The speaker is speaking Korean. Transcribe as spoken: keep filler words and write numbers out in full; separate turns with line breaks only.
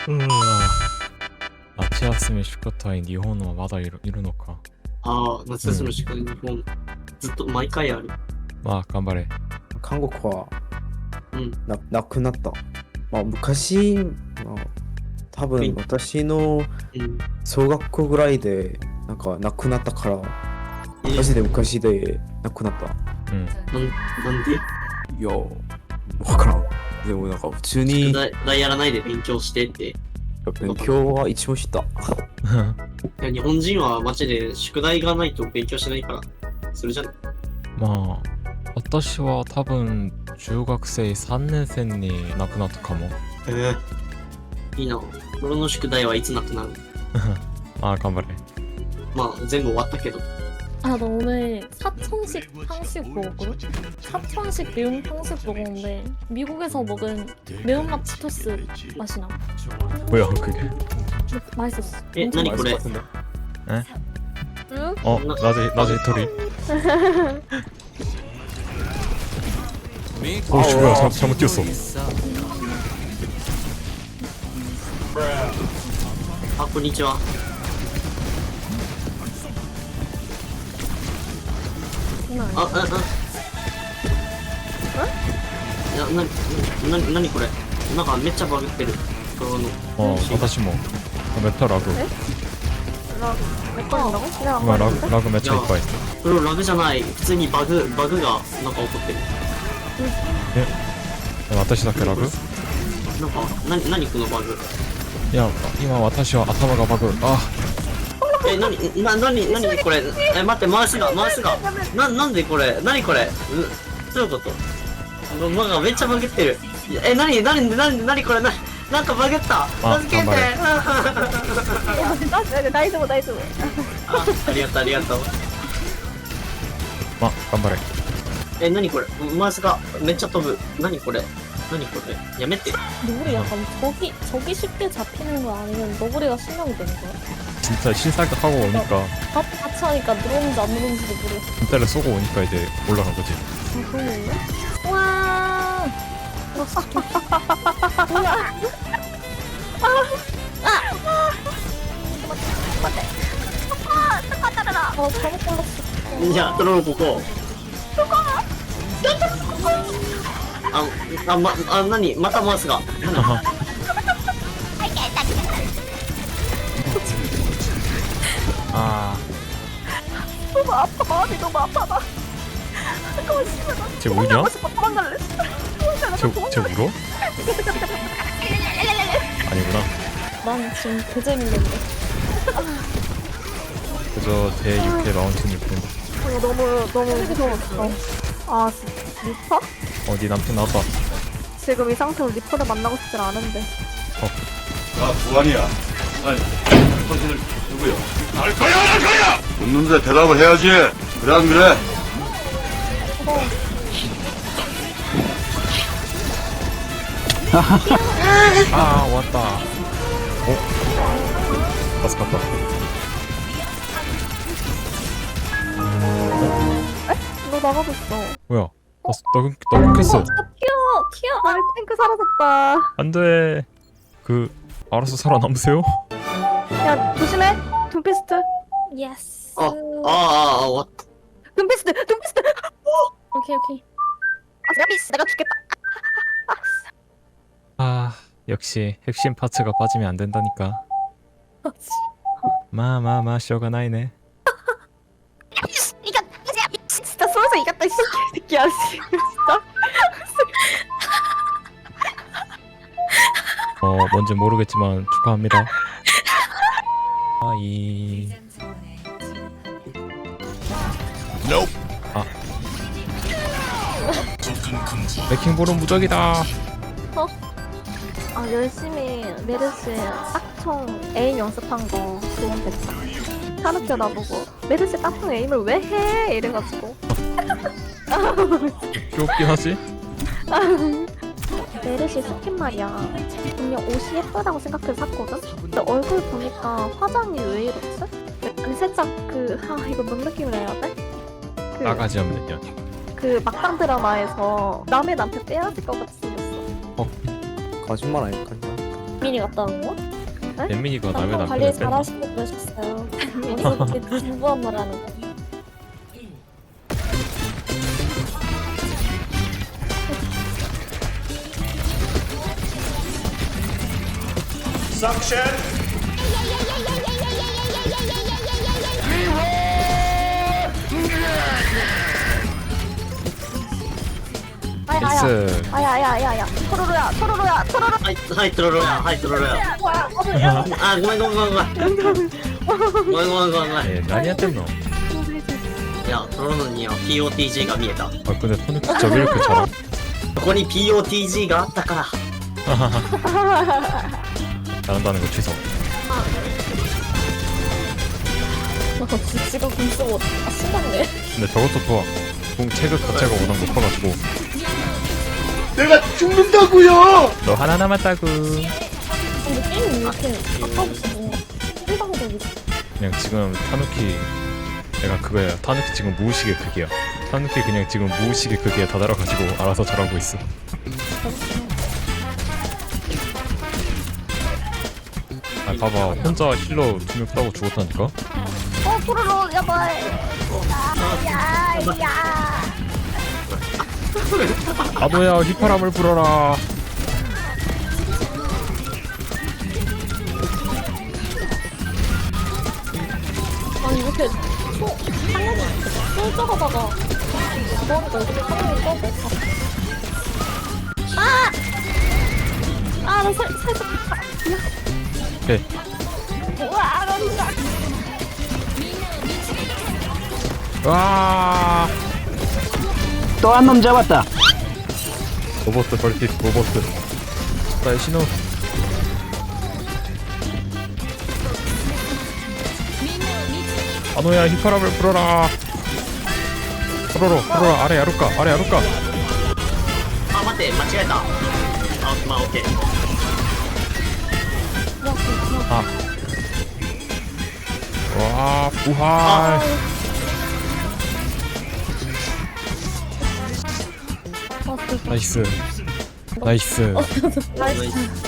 うわ夏休み宿題日本はまだいるいるのか。
ああ、夏休みの宿題日本、ずっと毎回ある。
まあ頑張れ。
韓国は
うん。
ななくなった。まあ昔、まあ、多分私の
うん。
小学校ぐらいでなんかなくなったから、
え
マジで昔でなくなった。
うん。
なんなんで
いや、わからん。でもなんか普通に
宿題宿題やらないで勉強してって。
勉強は一応した。
いや日本人はマジで宿題がないと勉強しないから。それじゃん。
まあ私は多分中学生さんねん生になくなったかも。
ええいいな。俺の宿題はいつなくなる？
まあ頑張れ。
まあ全部終わったけど。
아, 나 오늘 사천식 탕수육 먹었거든? 사천식 매운 탕수육 먹었는데 미국에서 먹은 매운맛 치토스 맛이 나.
뭐야 그게?
맛있었어.
예,
엄청
아니, 그래.
같은데.
응?
어 나제 나제 토리. 오 씨, 뭐야 잘, 잘못 뛰었어.
아, こんにちは。
장난
あ、
아니야.
うんうん。いや、な、な、なにこれ。なんかめっちゃバグってる。この。
어私もメタラグ
몇 번인다고? 그냥
今ラグラグめっちゃいっぱい。
これラグじゃない。普通にバグ、バグがなんか起こってる。
え私だけラグ？
なんか、なに、なにこのバグ。
いや今私は頭がバグ。あ
え、なに、な、なに、なにこれ。え、待って、マウスが、マウスが。な、なんでこれ。なにこれ。うどういうことなんかめっちゃバグってる。え、なに、なに、なに、なにこれ。な、なんかバグった。
あ
助けて。
頑張れ
나大丈夫大丈夫.
あ、ありがとう、ありがとう。
ま頑張れ。
え、なにこれ。マウスがめっちゃ飛ぶ。なにこれ。なにこれ。やめて。
너구리 약간 저기 저기 쉽게 잡히는 거 아니면 너구리가 실력이 되는 거야?
진짜 신사각하고 오니까
같이 같이 하니까 늘었는지 안 늘었는지도 모르겠어.
진짜를 쏘고 오니까 이제 올라간 거지.
아, 그러네. 와. 어, 잘못 골랐어.
じゃあ、トロロここ。あ、あ、ま、あ、なにまたマウスが。
아
너무 아파. 마음이 너무 아파. 나. 잠깐만, 씨발. 나
쟤 우냐?
도망가고 싶어. 도망갈래.
쟤, 쟤 울어? 아니구나.
난 지금 개 재밌는데.
그저 제 육 회 마운틴일 뿐.
어, 너무 너무 무서웠어. 아, 리퍼?
어, 네 남편 나왔다.
지금 이 상태로 리퍼를 만나고 싶진 않은데.
아, 무한이야. 아니, 당신은 누구야? 알 거야, 안 할 거야! 묻는데 대답을 해야지. 그래, 안 그래?
아, 왔다. 어? 가스 갔다.
너 나가고 있어.
뭐야? 나, 나, 끊- 나 끊겼어.
아, 튀어! 튀어! 아, 탱크 사라졌다.
안 돼. 그, 알아서 살아남으세요?
야, 조심해! 둠피스트. 예스.
어, 아, 아, 아, 와.
둠피스트! 둠피스트! 오케이, 오케이. 아, 야비스! 내가 죽겠다.
아, 역시 핵심 파츠가 빠지면 안 된다니까.
아, 씨.
마마마 쇼가 나이네.
야비스! 이겼다! 야비스! 진짜 쏘면서 이겼다, 이 새끼야. 진짜.
어, 뭔지 모르겠지만 축하합니다. 아이. 아. 레킹볼은 무적이다.
아, 열심히 메르시 딱총 에임 연습한 거 도움됐다. 타르켜 나보고 메르시 딱총 에임을 왜 해? 이래가지고.
귀엽긴 하지?
메르시 스킨 말이야. 분명 옷이 예쁘다고 생각해서 샀거든? 근데 얼굴 보니까 화장이 왜 이렇지? 아니 살짝 그... 아 이거 뭔 느낌을 해야 돼? 그,
나가지 없는 년.
그 막강 드라마에서 남의 남편 빼앗을 것 같이 생겼어.
거짓말 아닐까?
빈민이 갔다는 거?
엠민이가 남의
방송 관리
남편을 뺀다.
잘하시고 그러셨어요. 어디서 그렇게 진부한 말 하는 거? 아야야,
나이스.
아야야야야. 토로로야, 토로로야, 토로로.
はいはいトロロやはいトロロや
뭐야? 나도 야,
あごめんごめんごめんごめんごめんごめんごめんごめん
예, 많이 했댔노.
いやトロロには ピーオーティージー が見えた
아 근데 토닉 진짜 왜 이렇게 잘함?
ここに ピーオーティージー があったから
잘한다는 거 취소.
지가 공 쓰고 아 신났네.
근데 저것도 좋아. 공 체급 자체가 워낙 높아가지고.
내가 죽는다고요.
너 하나 남았다구.
근데 게임이 이렇게 아까부터 뭔가 일방적이지.
그냥 지금 타누키 내가 그거야. 타누키 지금 무의식의 극이야. 타누키 그냥 지금 무의식의 극에 다다라가지고 알아서 잘하고 있어. 아 봐봐 혼자 힐러 두 명 따고 죽었다니까.
어, 토로로, 야발. 야, 야.
아도야 휘파람을 불어라.
아니 이렇게 소 하늘이 쏠적하다가 머리가 이렇게 하늘이 떠고. 아! 아, 나 살, 살짝.
오케이.
우와, 나 진짜.
와.
또 한 놈 잡았다.
로버트 벌핏 로버트. 나의 신호. 아노야 휘파람을 불어라. 불어라 불어라 아래 야루까 아래 야루까.
あ待って間違えたあまあオッケー
아. 와 부활. 나이스. 나이스.
나이스.